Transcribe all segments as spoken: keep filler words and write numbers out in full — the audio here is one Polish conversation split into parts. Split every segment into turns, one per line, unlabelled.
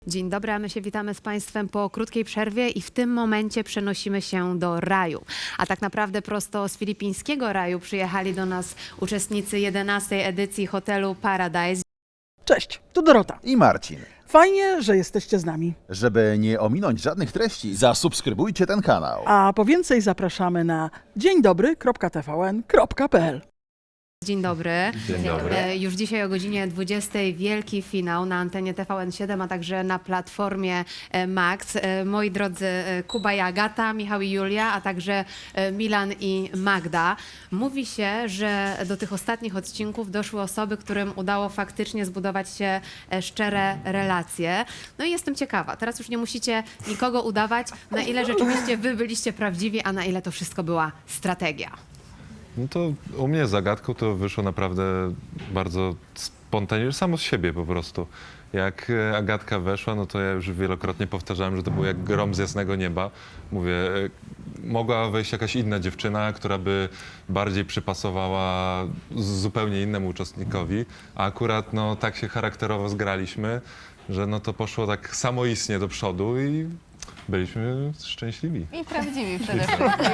Dzień dobry, a my się witamy z Państwem po krótkiej przerwie i w tym momencie przenosimy się do raju. A tak naprawdę prosto z filipińskiego raju przyjechali do nas uczestnicy jedenastej edycji hotelu Paradise.
Cześć, tu Dorota.
I Marcin.
Fajnie, że jesteście z nami.
Żeby nie ominąć żadnych treści, zasubskrybujcie ten kanał.
A po więcej zapraszamy na dzień dobry kropka t v n kropka p l.
Dzień dobry.
Dzień dobry.
E, Już dzisiaj o godzinie dwudziestej wielki finał na antenie T V N siedem, a także na platformie e, Max. E, Moi drodzy, e, Kuba i Agata, Michał i Julia, a także e, Milan i Magda. Mówi się, że do tych ostatnich odcinków doszły osoby, którym udało faktycznie zbudować się e, szczere relacje. No i jestem ciekawa, teraz już nie musicie nikogo udawać, na ile rzeczywiście wy byliście prawdziwi, a na ile to wszystko była strategia.
No to u mnie z Agatką to wyszło naprawdę bardzo spontanicznie, samo z siebie po prostu. Jak e, Agatka weszła, no to ja już wielokrotnie powtarzałem, że to był jak grom z jasnego nieba. Mówię, e, mogła wejść jakaś inna dziewczyna, która by bardziej przypasowała z zupełnie innemu uczestnikowi, a akurat no tak się charakterowo zgraliśmy, że no to poszło tak samoistnie do przodu i byliśmy szczęśliwi.
I prawdziwi przede wszystkim.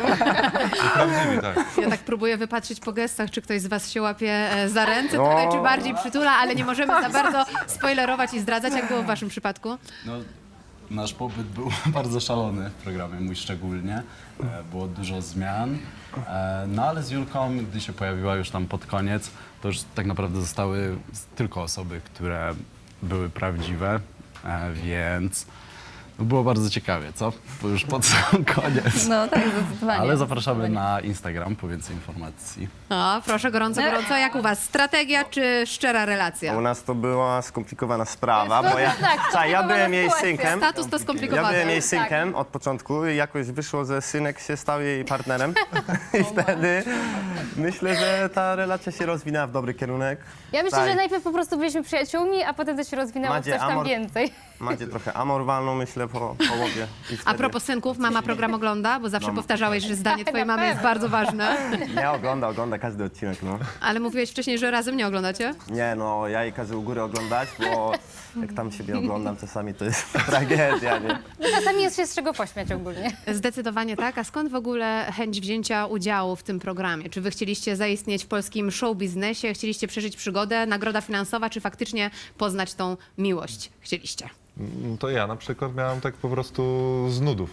I prawdziwi, tak.
Ja tak próbuję wypatrzeć po gestach, czy ktoś z was się łapie e, za ręce tutaj, czy bardziej przytula, ale nie możemy za bardzo spoilerować i zdradzać, jak było w waszym przypadku.
No, nasz pobyt był bardzo szalony w programie, mój szczególnie. E, Było dużo zmian. E, No ale z Julką, gdy się pojawiła już tam pod koniec, to już tak naprawdę zostały tylko osoby, które były prawdziwe, e, więc no, było bardzo ciekawie, co? Bo już pod sam koniec.
No tak, zdecydowanie.
Ale zapraszamy na Instagram po więcej informacji.
O, proszę, gorąco, gorąco. Jak u was? Strategia czy szczera relacja?
U nas to była skomplikowana sprawa, bo ja,
tak,
Słuchaj, ja byłem jej
sytuacja.
synkiem.
Status to
Ja
skomplikowane.
byłem jej
Tak.
synkiem od początku i jakoś wyszło, że synek się stał jej partnerem. I wtedy myślę, że ta relacja się rozwinęła w dobry kierunek.
Ja myślę,
Tak.
że najpierw po prostu byliśmy przyjaciółmi, a potem to się rozwinęło w
Macie
coś tam
amor-
więcej.
Macie trochę amor walną, myślę, po połowie. I
A
wtedy...
propos synków, mama program ogląda, bo zawsze
No.
powtarzałeś, że zdanie twojej
Na
mamy jest
pewno.
bardzo ważne.
Nie, ogląda, ogląda każdy odcinek, no.
Ale mówiłeś wcześniej, że razem nie oglądacie?
Nie, no, ja jej każę u góry oglądać, bo jak tam siebie oglądam czasami, to jest tragedia, nie?
No, czasami jest się z czego pośmiać ogólnie.
Zdecydowanie tak. A skąd w ogóle chęć wzięcia udziału w tym programie? Czy wy chcieliście zaistnieć w polskim show biznesie, chcieliście przeżyć przygodę, nagroda finansowa, czy faktycznie poznać tą miłość chcieliście?
No to ja na przykład miałem tak po prostu z nudów.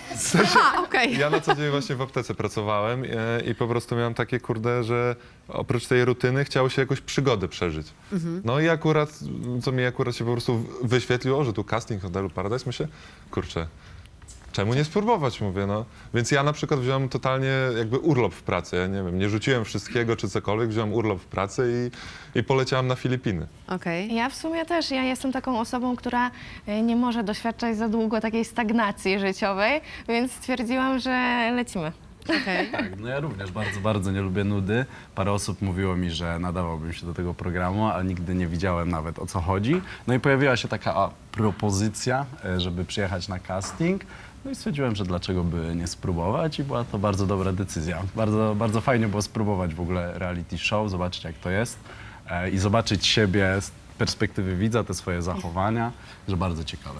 A, okej.
Ja na co dzień właśnie w aptece pracowałem e, i po prostu miałem takie kurde, że oprócz tej rutyny chciało się jakąś przygodę przeżyć. No i akurat, co mi akurat się po prostu wyświetliło, że tu casting hotelu Paradise, myślę, kurczę, czemu nie spróbować, mówię, no. Więc ja na przykład wziąłem totalnie jakby urlop w pracy, ja nie wiem, nie rzuciłem wszystkiego czy cokolwiek, wziąłem urlop w pracy i, i poleciałem na Filipiny.
Okej.
Ja w sumie też, ja jestem taką osobą, która y, nie może doświadczać za długo takiej stagnacji życiowej, więc stwierdziłam, że lecimy.
Okej.
Tak, no ja również bardzo, bardzo nie lubię nudy. Parę osób mówiło mi, że nadawałbym się do tego programu, ale nigdy nie widziałem nawet, o co chodzi. No i pojawiła się taka a, propozycja, e, żeby przyjechać na casting. No i stwierdziłem, że dlaczego by nie spróbować i była to bardzo dobra decyzja. Bardzo, bardzo fajnie było spróbować w ogóle reality show, zobaczyć jak to jest e, i zobaczyć siebie z perspektywy widza, te swoje zachowania, że bardzo ciekawe.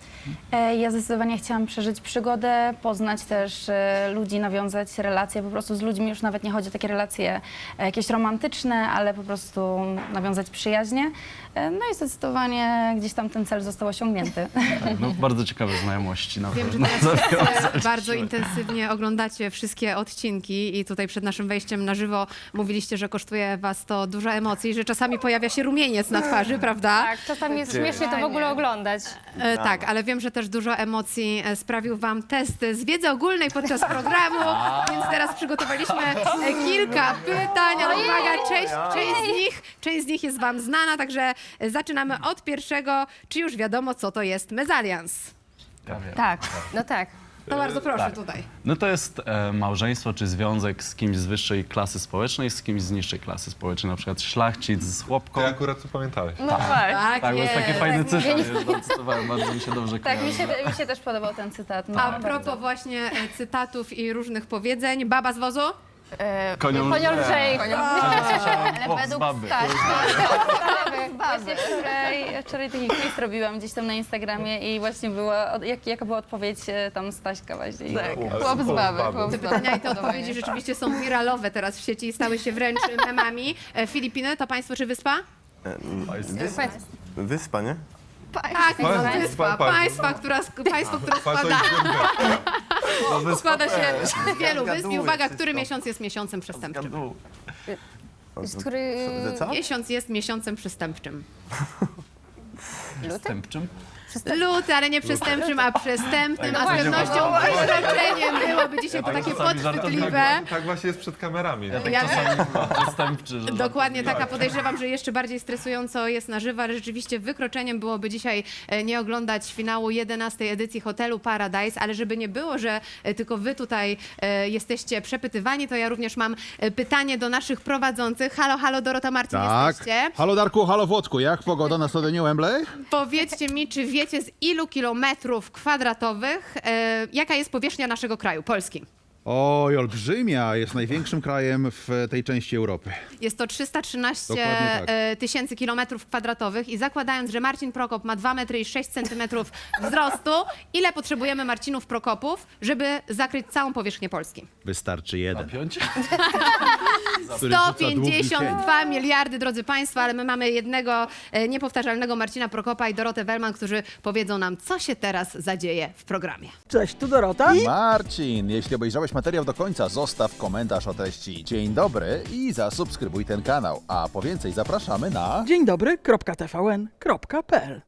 E, Ja zdecydowanie chciałam przeżyć przygodę, poznać też e, ludzi, nawiązać relacje po prostu z ludźmi. Już nawet nie chodzi o takie relacje e, jakieś romantyczne, ale po prostu nawiązać przyjaźnie. E, No i zdecydowanie gdzieś tam ten cel został osiągnięty.
Tak, no bardzo ciekawe znajomości na
Wiem, że
pewno.
teraz wszyscy bardzo intensywnie oglądacie wszystkie odcinki i tutaj przed naszym wejściem na żywo mówiliście, że kosztuje was to dużo emocji, że czasami pojawia się rumieniec na twarzy, prawda?
Tak, czasami jest śmiesznie to w ogóle oglądać.
E, tak, ale wiem, że też dużo emocji e, sprawił wam test z wiedzy ogólnej podczas programu, więc teraz przygotowaliśmy e, kilka pytań, ale uwaga, część, część, z nich, część z nich jest wam znana, także e, zaczynamy od pierwszego. Czy już wiadomo, co to jest mezalians?
Ja wiem.
Tak, no tak.
To bardzo proszę
Tak.
tutaj.
No to jest e, małżeństwo czy związek z kimś z wyższej klasy społecznej, z kimś z niższej klasy społecznej, na przykład szlachcic z chłopką.
Ty akurat to pamiętałeś.
No tak.
Tak,
Tak, bo jest takie fajny cytat,
Nie-
już zacytowałem, bardzo mi się dobrze
Tak, mi
kojarzy.
się, mi się też podobał ten cytat. No,
A
bardzo.
propos właśnie e, cytatów i różnych powiedzeń, baba z wozu?
E,
Konią
Konią lżej.
Ale według
baby.
Staśki, właśnie wczoraj, wczoraj taki quiz robiłam gdzieś tam na Instagramie i właśnie była, od- jak, jaka była odpowiedź e, tam Staśka właśnie. I-
chłop z baby. Chłop z
Te
baby.
pytania i te odpowiedzi rzeczywiście są wiralowe teraz w sieci i stały się wręcz memami. E, Filipiny to państwo czy wyspa?
Wyspa, wyspa nie?
Tak,
Państwo,
no, wyspa.
pa-
Państwa, która, sk- państwo, które składa, składa się z wielu wysp. I uwaga, który miesiąc jest miesiącem przestępczym?
Z który...
Że co?
Miesiąc jest miesiącem przestępczym.
Zastępczym.
Luty, ale nie przestępczym, a przestępnym, a z pewnością wykroczeniem byłoby dzisiaj to takie podchwytliwe.
Tak właśnie jest przed kamerami.
Ja
Zastępczy, że
Dokładnie taka, podejrzewam, że jeszcze bardziej stresująco jest na żywo, ale rzeczywiście wykroczeniem byłoby dzisiaj e, nie oglądać finału jedenastej edycji Hotelu Paradise, ale żeby nie było, że e, tylko wy tutaj e, jesteście przepytywani, to ja również mam e, pytanie do naszych prowadzących. Halo, halo, Dorota Marcin, jesteście?
Halo Darku, halo Włodku, jak pogoda na stadionie Wembley?
Powiedzcie mi, czy wiecie z ilu kilometrów kwadratowych, e, jaka jest powierzchnia naszego kraju, Polski?
Oj, olbrzymia, jest największym krajem w tej części Europy.
Jest to trzysta trzynaście
Dokładnie tak.
e, tysięcy kilometrów kwadratowych i zakładając, że Marcin Prokop ma dwa metry i sześć centymetrów wzrostu, ile potrzebujemy Marcinów Prokopów, żeby zakryć całą powierzchnię Polski?
Wystarczy jeden.
piąć?
Który rzuca
sto
długi
pięćdziesiąt dwa miliardy, drodzy Państwo, ale my mamy jednego e, niepowtarzalnego Marcina Prokopa i Dorotę Wellman, którzy powiedzą nam, co się teraz zadzieje w programie.
Cześć, tu Dorota.
Marcin, jeśli obejrzałeś materiał do końca, zostaw komentarz o treści dzień dobry i zasubskrybuj ten kanał. A po więcej zapraszamy na...
Dzień dobry, kropka T V N, kropka P L.